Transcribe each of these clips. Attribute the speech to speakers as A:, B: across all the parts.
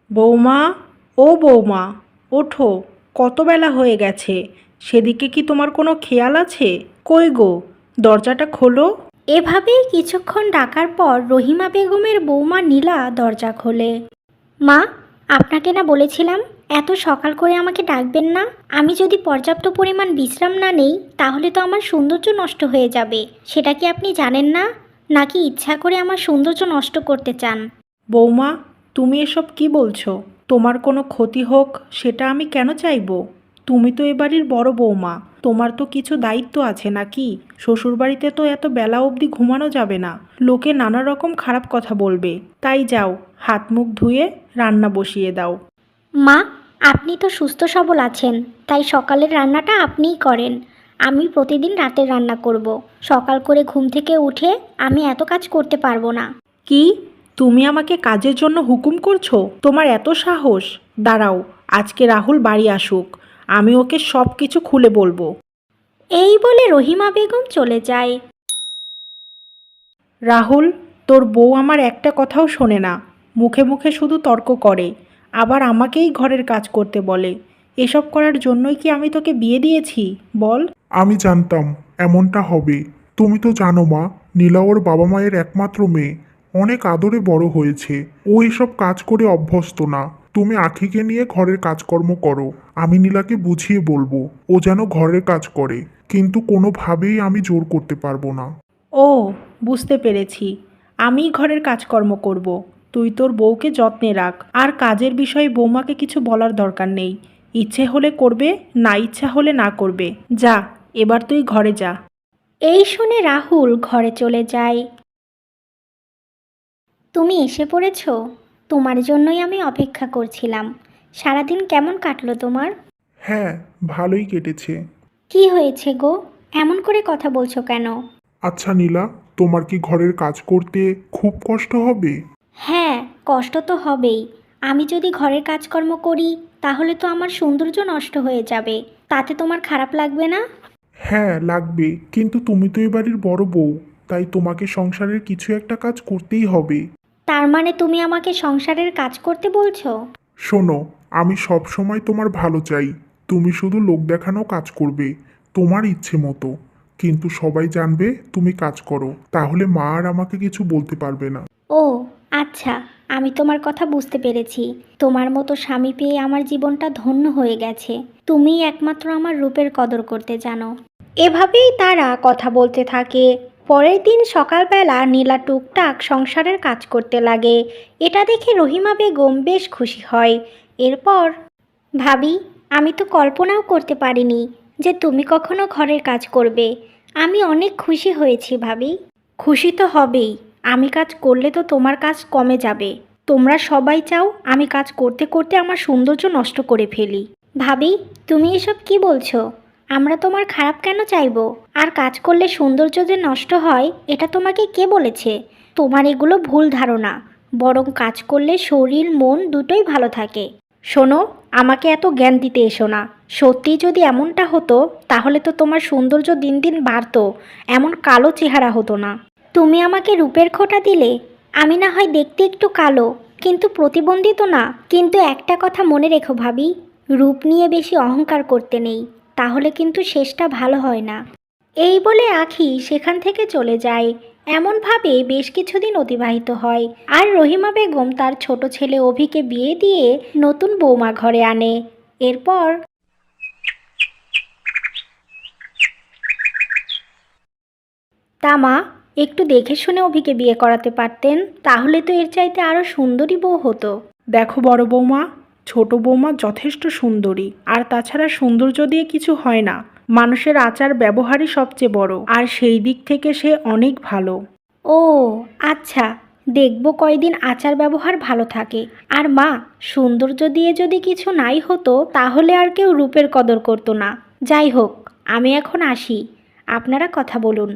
A: বৌমা, ও বৌমা, ওঠো। কত বেলা হয়ে গেছে, সেদিকে কি তোমার কোনো খেয়াল আছে? কই গো, দরজাটা খোলো।
B: এভাবেই কিছুক্ষণ ডাকার পর রহিমা বেগমের বৌমা নীলা দরজা খোলে। মা, আপনাকে না বলেছিলাম এত সকাল করে আমাকে ডাকবেন না। আমি যদি পর্যাপ্ত পরিমাণ বিশ্রাম না নেই তাহলে তো আমার সৌন্দর্য নষ্ট হয়ে যাবে। সেটা কি আপনি জানেন না? নাকি ইচ্ছা করে আমার সৌন্দর্য নষ্ট করতে চান?
A: বৌমা, তুমি এসব কি বলছো? তোমার কোনো ক্ষতি হোক সেটা আমি কেন চাইবো? তুমি তো এ বাড়ির বড় বৌমা, তোমার তো কিছু দায়িত্ব আছে নাকি? শ্বশুরবাড়িতে তো এত বেলা অবধি ঘুমানো যাবে না, লোকে নানা রকম খারাপ কথা বলবে। তাই যাও, হাত মুখ ধুয়ে রান্না বসিয়ে দাও।
B: মা, আপনি তো সুস্থ সবল আছেন, তাই সকালের রান্নাটা আপনিই করেন। আমি প্রতিদিন রাতের রান্না করব। সকাল করে ঘুম থেকে উঠে আমি এত কাজ করতে পারবো না।
A: কি? তুমি আমাকে কাজের জন্য হুকুম করছো? তোমার এত সাহস? দাঁড়াও, আজকে রাহুল বাড়ি আসুক, আমি ওকে সব কিছু খুলে বলবো।
B: এই বলে রহিমা বেগম চলে যায়।
A: রাহুল, তোর বউ আমার একটা কথাও শোনে না, মুখে মুখে শুধু তর্ক করে, আবার আমাকেই ঘরের কাজ করতে বলে। এসব করার জন্যই কি আমি তোকে বিয়ে দিয়েছি বল?
C: আমি জানতাম এমনটা হবে। তুমি তো জানো মা, নীলা ওর বাবা মায়ের একমাত্র মেয়ে। অনেক আদরে বড় হয়েছে। ও এসব কাজ করে অভ্যস্ত না। তুমি আখিকে নিয়ে ঘরের কাজকর্ম করো। আমি নীলাকে বুঝিয়ে বলবো ও যেন ঘরের কাজ করে, কিন্তু কোনোভাবেই আমি জোর করতে পারবো না।
A: ও, বুঝতে পেরেছি, আমি ঘরের কাজকর্ম করব। তুই তোর বউকে যত্নে রাখ, আর কাজের বিষয়ে বৌমাকে কিছু বলার দরকার নেই। ইচ্ছে হলে করবে, না ইচ্ছা হলে না করবে। যা, এবার তুই ঘরে যা।
B: এই শুনে রাহুল ঘরে চলে যায়। তুমি এসে পড়েছো? তোমার জন্যই আমি অপেক্ষা করছিলাম। সারাদিন কেমন কাটলো তোমার?
C: হ্যাঁ, ভালোই কেটেছে।
B: কি হয়েছে গো? এমন করে কথা বলছো কেন?
C: আচ্ছা নীলা, তোমার কি ঘরের কাজ করতে খুব কষ্ট হবে?
B: হ্যাঁ, কষ্ট তো হবেই। আমি যদি ঘরের কাজকর্ম করি তাহলে তো আমার সৌন্দর্য নষ্ট হয়ে যাবে। তাতে তোমার খারাপ লাগবে না?
C: হ্যাঁ লাগবে, কিন্তু তুমি তো এ বাড়ির বড় বউ, তাই তোমাকে সংসারের কিছু একটা কাজ করতেই হবে।
B: তার মানে তুমি আমাকে সংসারের কাজ করতে বলছো?
C: শোনো, আমি সব সময় তোমার ভালো চাই। তুমি শুধু লোক দেখানো কাজ করবে, তোমার ইচ্ছে মতো। কিন্তু সবাই জানবে তুমি কাজ করো, তাহলে মা আর আমাকে কিছু বলতে পারবে না।
B: ও আচ্ছা, আমি তোমার কথা বুঝতে পেরেছি। তোমার মতো স্বামী পেয়ে আমার জীবনটা ধন্য হয়ে গেছে। তুমিই একমাত্র আমার রূপের কদর করতে জানো। এভাবেই তারা কথা বলতে থাকে। পরের দিন সকালবেলা নীলা টুকটাক সংসারের কাজ করতে লাগে। এটা দেখে রহিমা বেগম বেশ খুশি হয়। এরপর, ভাবি, আমি তো কল্পনাও করতে পারিনি যে তুমি কখনো ঘরের কাজ করবে। আমি অনেক খুশি হয়েছি ভাবি। খুশি তো হবেই, আমি কাজ করলে তো তোমার কাজ কমে যাবে। তোমরা সবাই চাও আমি কাজ করতে করতে আমার সৌন্দর্য নষ্ট করে ফেলি। ভাবি, তুমি এসব কি বলছো? আমরা তোমার খারাপ কেন চাইবো? আর কাজ করলে সৌন্দর্য যে নষ্ট হয় এটা তোমাকে কে বলেছে? তোমার এগুলো ভুল ধারণা। বরং কাজ করলে শরীর মন দুটোই ভালো থাকে। শোনো, আমাকে এত জ্ঞান দিতে এসো না। সত্যি যদি এমনটা হতো তাহলে তো তোমার সৌন্দর্য দিন দিন বাড়তো, এমন কালো চেহারা হতো না। তুমি আমাকে রূপের খোঁটা দিলে। আমি না হয় দেখতে একটু কালো, কিন্তু প্রতিবন্ধী তো না। কিন্তু একটা কথা মনে রেখো ভাবি, রূপ নিয়ে বেশি অহংকার করতে নেই, তাহলে কিন্তু শেষটা ভালো হয় না। এই বলে আখি সেখান থেকে চলে যায়। এমনভাবে বেশ কিছুদিন অতিবাহিত হয়, আর রহিমা বেগম তার ছোট ছেলে অভিকে বিয়ে দিয়ে নতুন বৌমা ঘরে আনে। এরপর, তা মা, একটু দেখে শুনে অভিকে বিয়ে করাতে পারতেন, তাহলে তো এর চাইতে আরও সুন্দরী বউ হতো।
A: দেখো বড় বৌমা, ছোট বৌমা যথেষ্ট সুন্দরী, আর তাছাড়া সৌন্দর্য দিয়ে কিছু হয় না। মানুষের আচার ব্যবহারই সবচেয়ে বড়, আর সেই দিক থেকে সে অনেক ভালো।
B: ও আচ্ছা, দেখব কয়দিন আচার ব্যবহার ভালো থাকে। আর মা, সৌন্দর্য দিয়ে যদি কিছু নাই হতো তাহলে আর কেউ রূপের কদর করতো না। যাই হোক, আমি এখন আসি, আপনারা কথা বলুন।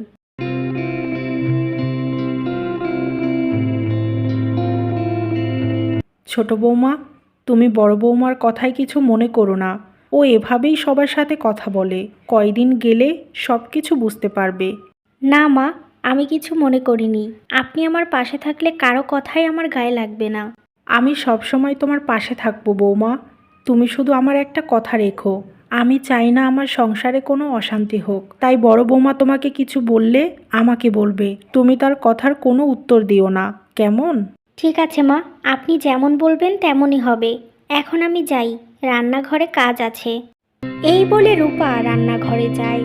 A: ছোট বৌমা, তুমি বড় বৌমার কথায় কিছু মনে করো না। ও এভাবেই সবার সাথে কথা বলে, কয়দিন গেলে সব কিছু বুঝতে পারবে।
B: না মা, আমি কিছু মনে করিনি। আপনি আমার পাশে থাকলে কারো কথাই আমার গায়ে লাগবে না।
A: আমি সবসময় তোমার পাশে থাকবো বৌমা। তুমি শুধু আমার একটা কথা রেখো, আমি চাই না আমার সংসারে কোনো অশান্তি হোক। তাই বড় বৌমা তোমাকে কিছু বললে আমাকে বলবে, তুমি তার কথার কোনো উত্তর দিও না, কেমন?
B: ঠিক আছে মা, আপনি যেমন বলবেন তেমনই হবে। এখন আমি যাই, রান্নাঘরে কাজ আছে। এই বলে রূপা রান্নাঘরে যায়।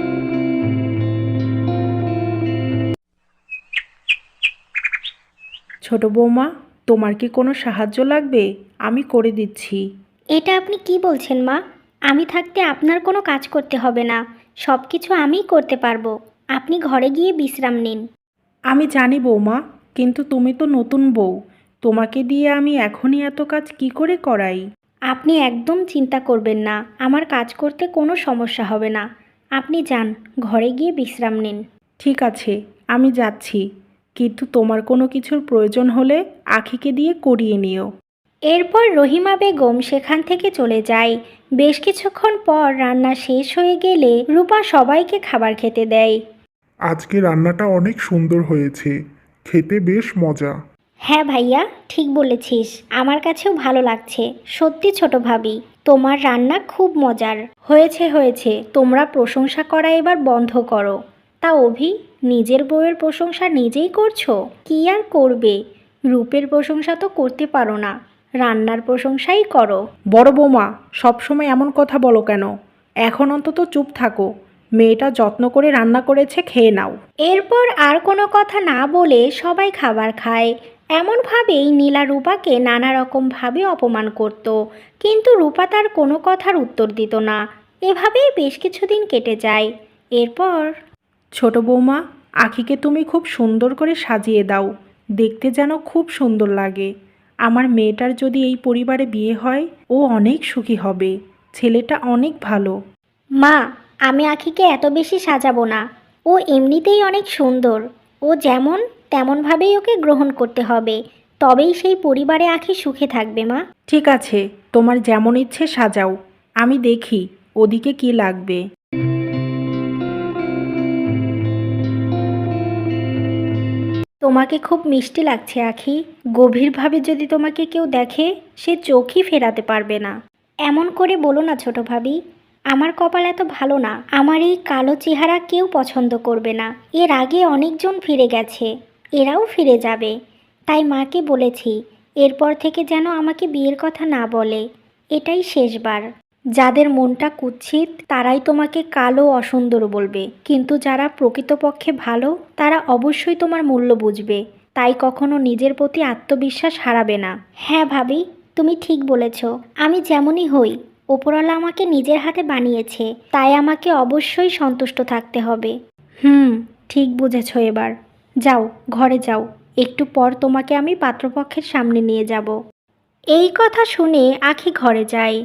A: ছোট বৌমা, তোমার কি কোনো সাহায্য লাগবে? আমি করে দিচ্ছি।
B: এটা আপনি কি বলছেন মা? আমি থাকতে আপনার কোনো কাজ করতে হবে না, সব কিছু আমিই করতে পারবো। আপনি ঘরে গিয়ে বিশ্রাম নিন।
A: আমি জানি বৌমা, কিন্তু তুমি তো নতুন বউ, তোমাকে দিয়ে আমি এখনই এত কাজ কি করে করাই?
B: আপনি একদম চিন্তা করবেন না, আমার কাজ করতে কোনো সমস্যা হবে না। আপনি যান, ঘরে গিয়ে বিশ্রাম নিন।
A: ঠিক আছে, আমি যাচ্ছি, কিন্তু তোমার কোনো কিছুর প্রয়োজন হলে আখিকে দিয়ে করিয়ে নিও।
B: এরপর রহিমা বেগম সেখান থেকে চলে যায়। বেশ কিছুক্ষণ পর রান্না শেষ হয়ে গেলে রূপা সবাইকে খাবার খেতে দেয়।
C: আজকে রান্নাটা অনেক সুন্দর হয়েছে, খেতে বেশ মজা।
B: হ্যাঁ ভাইয়া, ঠিক বলেছিস, আমার কাছেও ভালো লাগছে। সত্যি ছোট ভাবি, তোমার রান্না খুব মজার হয়েছে। হয়েছে, তোমরা প্রশংসা করা এবার বন্ধ করো। তা অভি, নিজের বউয়ের প্রশংসা নিজেই করছো? কি আর করবে, রূপের প্রশংসা তো করতে পারো না, রান্নার প্রশংসাই করো।
A: বড় বৌমা, সবসময় এমন কথা বলো কেন? এখন অন্তত চুপ থাকো, মেয়েটা যত্ন করে রান্না করেছে, খেয়ে নাও।
B: এরপর আর কোনো কথা না বলে সবাই খাবার খায়। এমনভাবেই নীলা রূপাকে নানা রকমভাবে অপমান করত, কিন্তু রূপা তার কোনো কথার উত্তর দিত না। এভাবেই বেশ কিছুদিন কেটে যায়। এরপর
A: ছোট বৌমা, আখিকে তুমি খুব সুন্দর করে সাজিয়ে দাও, দেখতে যেন খুব সুন্দর লাগে। আমার মেয়েটার যদি এই পরিবারে বিয়ে হয়, ও অনেক সুখী হবে। ছেলেটা অনেক ভালো।
B: মা, আমি আখিকে এত বেশি সাজাবো না, ও এমনিতেই অনেক সুন্দর। ও যেমন তেমনভাবেই ওকে গ্রহণ করতে হবে, তবেই সেই পরিবারে আখি সুখে থাকবে মা।
A: ঠিক আছে, তোমার যেমন ইচ্ছে সাজাও, আমি দেখি ওদিকে কি লাগবে।
B: তোমাকে খুব মিষ্টি লাগছে আখি। গভীরভাবে যদি তোমাকে কেউ দেখে, সে চোখই ফেরাতে পারবে না। এমন করে বলো না ছোট ভাবি, আমার কপাল এত ভালো না, আমার এই কালো চেহারা কেউ পছন্দ করবে না। এর আগে অনেকজন ফিরে গেছে, এরাও ফিরে যাবে। তাই মাকে বলেছি, এরপর থেকে যেন আমাকে বিয়ের কথা না বলে। এটাই শেষবার। যাদের মনটা কুৎসিত তারাই তোমাকে কালো অসুন্দর বলবে, কিন্তু যারা প্রকৃতপক্ষে ভালো তারা অবশ্যই তোমার মূল্য বুঝবে। তাই কখনো নিজের প্রতি আত্মবিশ্বাস হারাবে না। হ্যাঁ ভাবি, তুমি ঠিক বলেছ। আমি যেমনই হই, ওপরওয়ালা আমাকে নিজের হাতে বানিয়েছে, তাই আমাকে অবশ্যই সন্তুষ্ট থাকতে হবে। ঠিক বুঝেছ এবার। যাও, ঘরে যাও, একটু পর তোমাকে আমি পাত্রপক্ষের সামনে নিয়ে যাব। এই কথা শুনে আখি ঘরে যায়।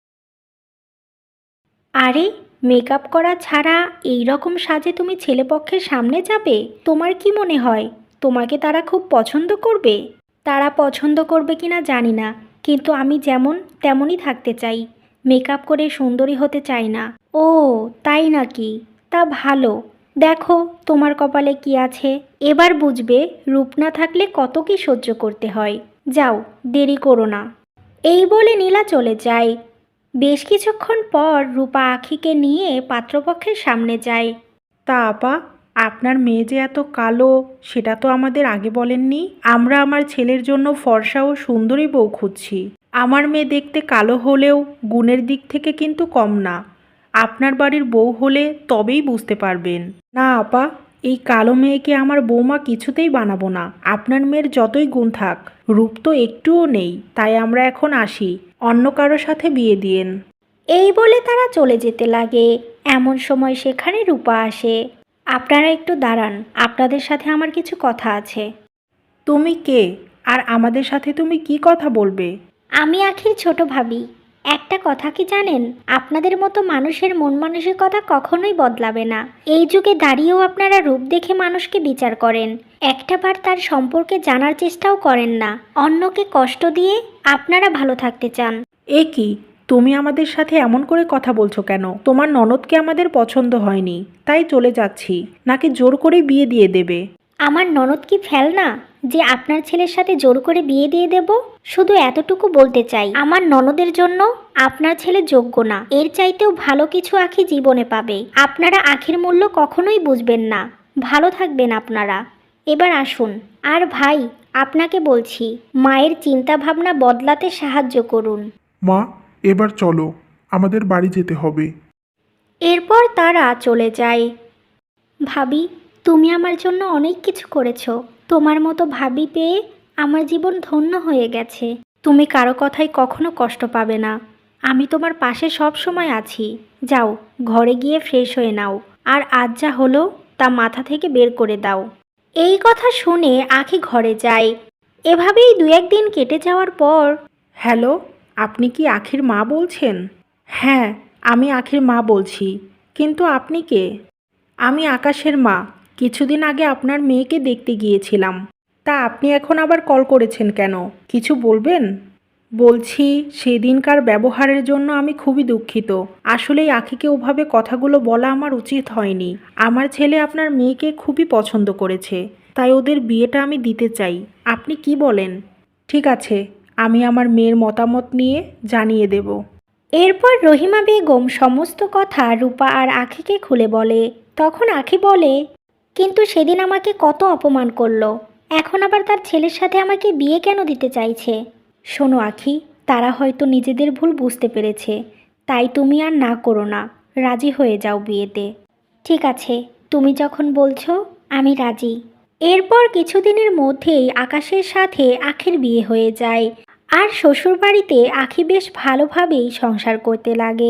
B: আরে, মেকআপ করা ছাড়া এই রকম সাজে তুমি ছেলেপক্ষের সামনে যাবে? তোমার কি মনে হয় তোমাকে তারা খুব পছন্দ করবে? তারা পছন্দ করবে কিনা জানি না, কিন্তু আমি যেমন তেমনই থাকতে চাই, মেকআপ করে সুন্দরী হতে চাই না। ও, তাই নাকি? তা ভালো। দেখো তোমার কপালে কি আছে, এবার বুঝবে রূপ না থাকলে কত কি সহ্য করতে হয়। যাও, দেরি করো না। এই বলে নীলা চলে যায়। বেশ কিছুক্ষণ পর রূপা আখিকে নিয়ে পাত্রপক্ষের সামনে যায়।
A: তা আপা, আপনার মেয়ে যে এত কালো, সেটা তো আমাদের আগে বলেননি। আমরা আমার ছেলের জন্য ফর্সা ও সুন্দরী বউ খুঁজছি। আমার মেয়ে দেখতে কালো হলেও গুণের দিক থেকে কিন্তু কম না। আপনার বাড়ির বউ হলে তবেই বুঝতে পারবেন। না আপা, এই কালো মেয়েকে আমার বৌমা কিছুতেই বানাবো না। আপনার মেয়ের যতই গুণ থাক, রূপ তো একটুও নেই। তাই আমরা এখন আসি, অন্য কারো সাথে বিয়ে দিয়েন।
B: এই বলে তারা চলে যেতে লাগে। এমন সময় সেখানে রূপা আসে। আপনারা একটু দাঁড়ান, আপনাদের সাথে আমার কিছু কথা আছে।
A: তুমি কে? আর আমাদের সাথে তুমি কি কথা বলবে?
B: আমি আখির ছোট ভাবি। একটা কথা কি জানেন, আপনাদের মতো মানুষের মন মানসিকতা কখনোই বদলাবে না। এই যুগে দাঁড়িয়েও আপনারা রূপ দেখে মানুষকে বিচার করেন, একটাবার তার সম্পর্কে জানার চেষ্টাও করেন না। অন্যকে কষ্ট দিয়ে আপনারা ভালো থাকতে চান।
A: এ কি, তুমি আমাদের সাথে এমন করে কথা বলছো কেন? তোমার ননদকে আমাদের পছন্দ হয়নি, তাই চলে যাচ্ছি, নাকি জোর করে বিয়ে দিয়ে দেবে?
B: আমার ননদ কি ফেলনা যে আপনার ছেলের সাথে জোর করে বিয়ে দিয়ে দেব? শুধু এতটুকু বলতে চাই, আমার ননদের জন্য আপনার ছেলে যোগ্য না। এর চাইতেও ভালো কিছু আখি জীবনে পাবে। আপনারা আখির মূল্য কখনোই বুঝবেন না। ভালো থাকবেন আপনারা। এবার আসুন। আর ভাই, আপনাকে বলছি, মায়ের চিন্তা ভাবনা বদলাতে সাহায্য করুন।
C: মা, এবার চলো, আমাদের বাড়ি যেতে হবে।
B: এরপর তারা চলে যায়। ভাবি, তুমি আমার জন্য অনেক কিছু করেছো। তোমার মতো ভাবি পেয়ে আমার জীবন ধন্য হয়ে গেছে।
A: তুমি কারো কথায় কখনো কষ্ট পাবে না। আমি তোমার পাশে সব সময় আছি। যাও, ঘরে গিয়ে ফ্রেশ হয়ে নাও। আর আজ যা হলো তা মাথা থেকে বের করে দাও।
B: এই কথা শুনে আখি ঘরে যায়। এভাবেই দু একদিন কেটে যাওয়ার পর,
A: হ্যালো, আপনি কি আখির মা বলছেন? হ্যাঁ, আমি আখির মা বলছি। কিন্তু আপনি কে? আমি আকাশের মা। কিছুদিন আগে আপনার মেয়েকে দেখতে গিয়েছিলাম। তা আপনি এখন আবার কল করেছেন কেন? কিছু বলবেন? বলছি, সেদিনকার ব্যবহারের জন্য আমি খুবই দুঃখিত। আসলেই আখিকে ওভাবে কথাগুলো বলা আমার উচিত হয়নি। আমার ছেলে আপনার মেয়েকে খুবই পছন্দ করেছে, তাই ওদের বিয়েটা আমি দিতে চাই। আপনি কি বলেন? ঠিক আছে, আমি আমার মেয়ের মতামত নিয়ে জানিয়ে দেব।
B: এরপর রহিমা বেগম সমস্ত কথা রূপা আর আখিকে খুলে বলে। তখন আখি বলে, কিন্তু সেদিন আমাকে কত অপমান করলো, এখন আবার তার ছেলের সাথে আমাকে বিয়ে কেন দিতে চাইছে?
A: শোনো আখি, তারা হয়তো নিজেদের ভুল বুঝতে পেরেছে। তাই তুমি আর না করো না, রাজি হয়ে যাও বিয়েতে।
B: ঠিক আছে, তুমি যখন বলছো আমি রাজি। এরপর কিছুদিনের মধ্যেই আকাশের সাথে আখির বিয়ে হয়ে যায়। আর শ্বশুরবাড়িতে আখি বেশ ভালোভাবেই সংসার করতে লাগে।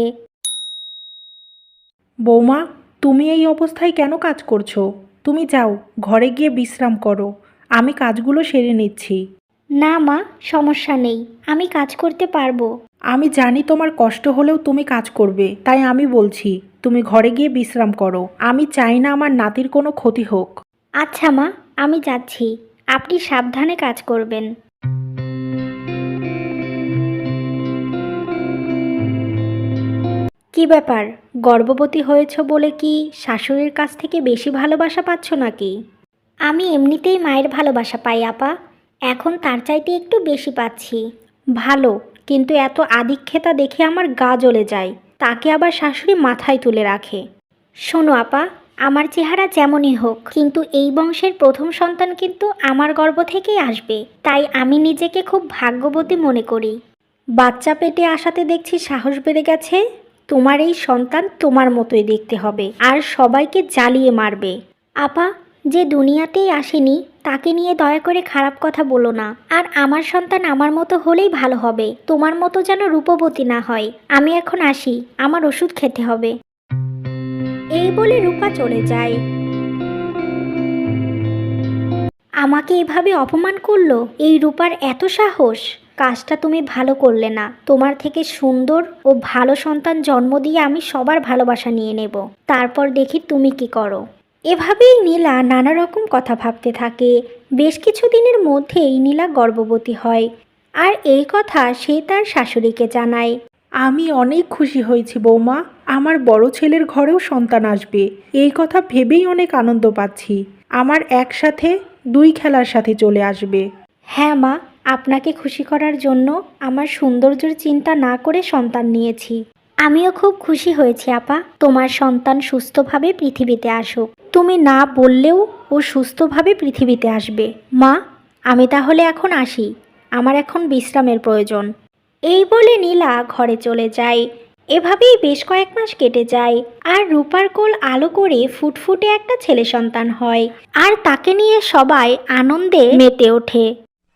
A: বৌমা, তুমি এই অবস্থায় কেন কাজ করছো? তুমি যাও, ঘরে গিয়ে বিশ্রাম করো। আমি কাজগুলো সেরে নিচ্ছি।
B: না মা, সমস্যা নেই, আমি কাজ করতে পারবো।
A: আমি জানি তোমার কষ্ট হলেও তুমি কাজ করবে, তাই আমি বলছি তুমি ঘরে গিয়ে বিশ্রাম করো। আমি চাই না আমার নাতির কোনো ক্ষতি হোক।
B: আচ্ছা মা, আমি যাচ্ছি। আপনি সাবধানে কাজ করবেন।
A: কি ব্যাপার, গর্ভবতী হয়েছ বলে কি শাশুড়ির কাছ থেকে বেশি ভালোবাসা পাচ্ছ নাকি?
B: আমি এমনিতেই মায়ের ভালোবাসা পাই আপা, এখন তার চাইতে একটু বেশি পাচ্ছি।
A: ভালো, কিন্তু এত আদিক্ষেতা দেখে আমার গা জ্বলে যায়। তাকে আবার শাশুড়ি মাথায় তুলে রাখে।
B: শোনো আপা, আমার চেহারা যেমনই হোক, কিন্তু এই বংশের প্রথম সন্তান কিন্তু আমার গর্ভ থেকেই আসবে। তাই আমি নিজেকে খুব ভাগ্যবতী মনে করি।
A: বাচ্চা পেটে আসাতে দেখছি সাহস বেড়ে গেছে। তোমার এই সন্তান তোমার মতোই দেখতে হবে, আর সবাইকে জ্বালিয়ে মারবে।
B: আপা, যে দুনিয়াতেই আসেনি তাকে নিয়ে দয়া করে খারাপ কথা বলো না। আর আমার সন্তান আমার মতো হলেই ভালো হবে, তোমার মতো যেন রূপবতী না হয়। আমি এখন আসি, আমার ওষুধ খেতে হবে। এই বলে রূপা চলে যায়। আমাকে এভাবে অপমান করলো, এই রূপার এত সাহস! কাজটা তুমি ভালো করলে না। তোমার থেকে সুন্দর ও ভালো সন্তান জন্ম দিয়ে আমি সবার ভালোবাসা নিয়ে নেব, তারপর দেখি তুমি কি করো। এভাবেই নীলা নানা রকম কথা ভাবতে থাকে। বেশ কিছু দিনের মধ্যেই নীলা গর্ভবতী হয়। আর এই কথা সে তার শাশুড়িকে জানায়।
A: আমি অনেক খুশি হয়েছি বৌমা। আমার বড় ছেলের ঘরেও সন্তান আসবে, এই কথা ভেবেই অনেক আনন্দ পাচ্ছি। আমার একসাথে দুই খেলার সাথে চলে আসবে।
B: হ্যাঁ মা, আপনাকে খুশি করার জন্য আমার সৌন্দর্যের চিন্তা না করে সন্তান নিয়েছি। আমিও খুব খুশি হয়েছি আপা, তোমার সন্তান সুস্থভাবে পৃথিবীতে আসুক।
A: তুমি না বললেও ও সুস্থভাবে পৃথিবীতে আসবে। মা, আমি তাহলে এখন আসি, আমার এখন বিশ্রামের প্রয়োজন।
B: এই বলে নীলা ঘরে চলে যায়। এভাবেই বেশ কয়েক মাস কেটে যায়। আর রূপার কোল আলো করে ফুটফুটে একটা ছেলে সন্তান হয়। আর তাকে নিয়ে সবাই আনন্দে মেতে ওঠে।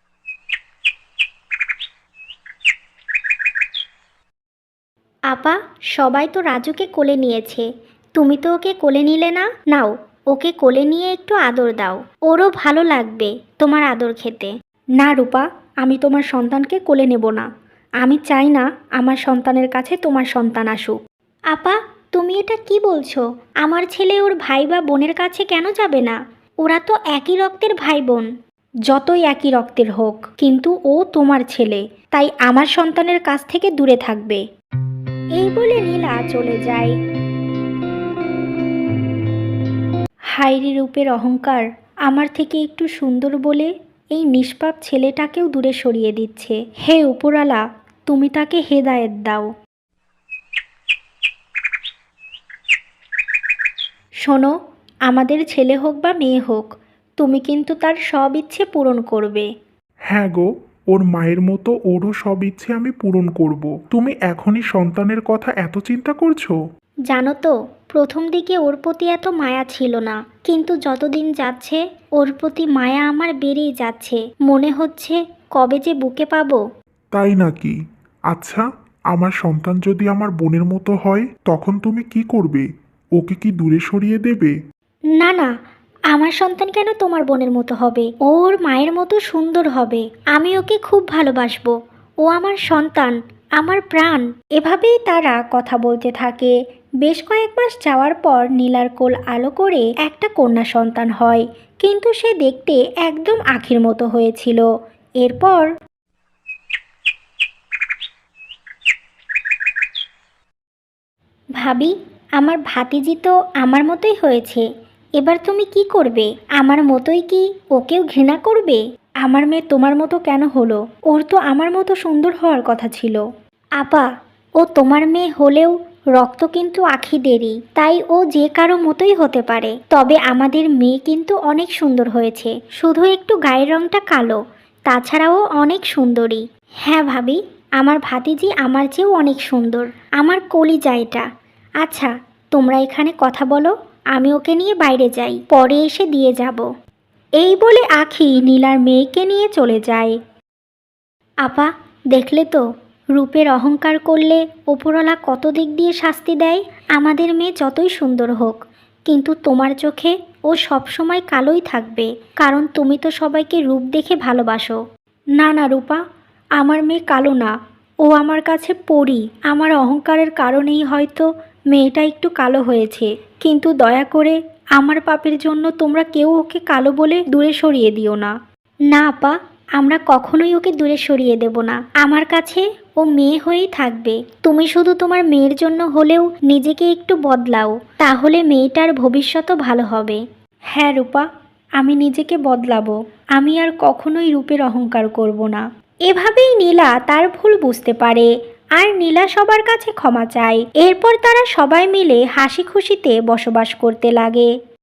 B: আপা, সবাই তো রাজুকে কোলে নিয়েছে, তুমি তো ওকে কোলে নিলে না। নাও, ওকে কোলে নিয়ে একটু আদর দাও, ওরও ভালো লাগবে তোমার আদর খেতে।
A: না রূপা, আমি তোমার সন্তানকে কোলে নেব না। আমি চাই না আমার সন্তানের কাছে তোমার সন্তান আসুক।
B: আপা, তুমি এটা কি বলছো? আমার ছেলে ওর ভাই বা বোনের কাছে কেন যাবে না? ওরা তো একই রক্তের ভাই বোন।
A: যতই একই রক্তের হোক, কিন্তু ও তোমার ছেলে, তাই আমার সন্তানের কাছ থেকে দূরে থাকবে।
B: এই বলে নীলা চলে যায়।
A: হায়রে রূপের অহংকার, আমার থেকে একটু সুন্দর বলে
B: এই নিষ্পাপ ছেলেটাকেও দূরে সরিয়ে দিচ্ছে। হে উপরালা, তুমি তাকে হেদায়েত দাও। শোনো, আমাদের ছেলে হোক বা মেয়ে হোক, তুমি কিন্তু তার সব ইচ্ছে পূরণ করবে।
C: হ্যাঁ গো, ওর মায়ের মতো ওরও সব ইচ্ছে আমি পূরণ করব। তুমি এখনই সন্তানের কথা এত চিন্তা করছো?
B: জানো তো, প্রথম দিকে ওর প্রতি এত মায়া ছিল না, কিন্তু যতদিন যাচ্ছে ওর প্রতি মায়া আমার বেড়েই যাচ্ছে। মনে হচ্ছে কবে যে বুকে পাবো।
C: তাই নাকি? আচ্ছা, আমার সন্তান যদি আমার বোনের মতো হয় তখন তুমি কি করবে? ওকে কি দূরে সরিয়ে দেবে?
B: না না, আমার সন্তান কেন তোমার বোনের মতো হবে? ওর মায়ের মতো সুন্দর হবে। আমি ওকে খুব ভালোবাসবো। ও আমার সন্তান, আমার প্রাণ। এভাবেই তারা কথা বলতে থাকে। বেশ কয়েক মাস যাওয়ার পর নীলার কোল আলো করে একটা কন্যা সন্তান হয়, কিন্তু সে দেখতে একদম আখির মতো হয়েছিল। এরপর ভাবি, আমার ভাতিজি তো আমার মতোই হয়েছে। এবার তুমি কি করবে? আমার মতোই কি ওকেও ঘৃণা করবে?
A: আমার মেয়ে তোমার মতো কেন হলো? ওর তো আমার মতো সুন্দর হওয়ার কথা ছিল।
B: আপা, ও তোমার মেয়ে হলেও রক্ত কিন্তু আখিদেরই, তাই ও যে কারো মতোই হতে পারে। তবে আমাদের মেয়ে কিন্তু অনেক সুন্দর হয়েছে, শুধু একটু গায়ের রংটা কালো, তাছাড়াও অনেক সুন্দরী। হ্যাঁ ভাবি, আমার ভাতিজি আমার চেয়েও অনেক সুন্দর, আমার কলিজা এটা। আচ্ছা, তোমরা এখানে কথা বলো, আমি ওকে নিয়ে বাইরে যাই, পরে এসে দিয়ে যাব।
A: এই বলে আখি নীলার মেয়েকে নিয়ে চলে যায়।
B: আপা, দেখলে তো, রূপের অহংকার করলে ওপরওয়ালা কত দিক দিয়ে শাস্তি দেয়। আমাদের মেয়ে যতই সুন্দর হোক, কিন্তু তোমার চোখে ও সবসময় কালোই থাকবে, কারণ তুমি তো সবাইকে রূপ দেখে ভালোবাসো।
A: না না রূপা, আমার মেয়ে কালো না, ও আমার কাছে পরী। আমার অহংকারের কারণেই হয়তো মেয়েটা একটু কালো হয়েছে, কিন্তু দয়া করে আমার পাপের জন্য তোমরা কেউ ওকে কালো বলে দূরে সরিয়ে দিও না।
B: না আপা, আমরা কখনোই ওকে দূরে সরিয়ে দেব না। আমার কাছে ও মেয়ে হয়েই থাকবে। তুমি শুধু তোমার মেয়ের জন্য হলেও নিজেকে একটু বদলাও, তাহলে মেয়েটার ভবিষ্যতও ভালো হবে।
A: হ্যাঁ রূপা, আমি নিজেকে বদলাবো। আমি আর কখনোই রূপের অহংকার করব না। এভাবেই নীলা তার ভুল বুঝতে পারে, আর নীলা সবার কাছে ক্ষমা চায়। এরপর তারা সবাই মিলে হাসি খুশিতে বসবাস করতে লাগে।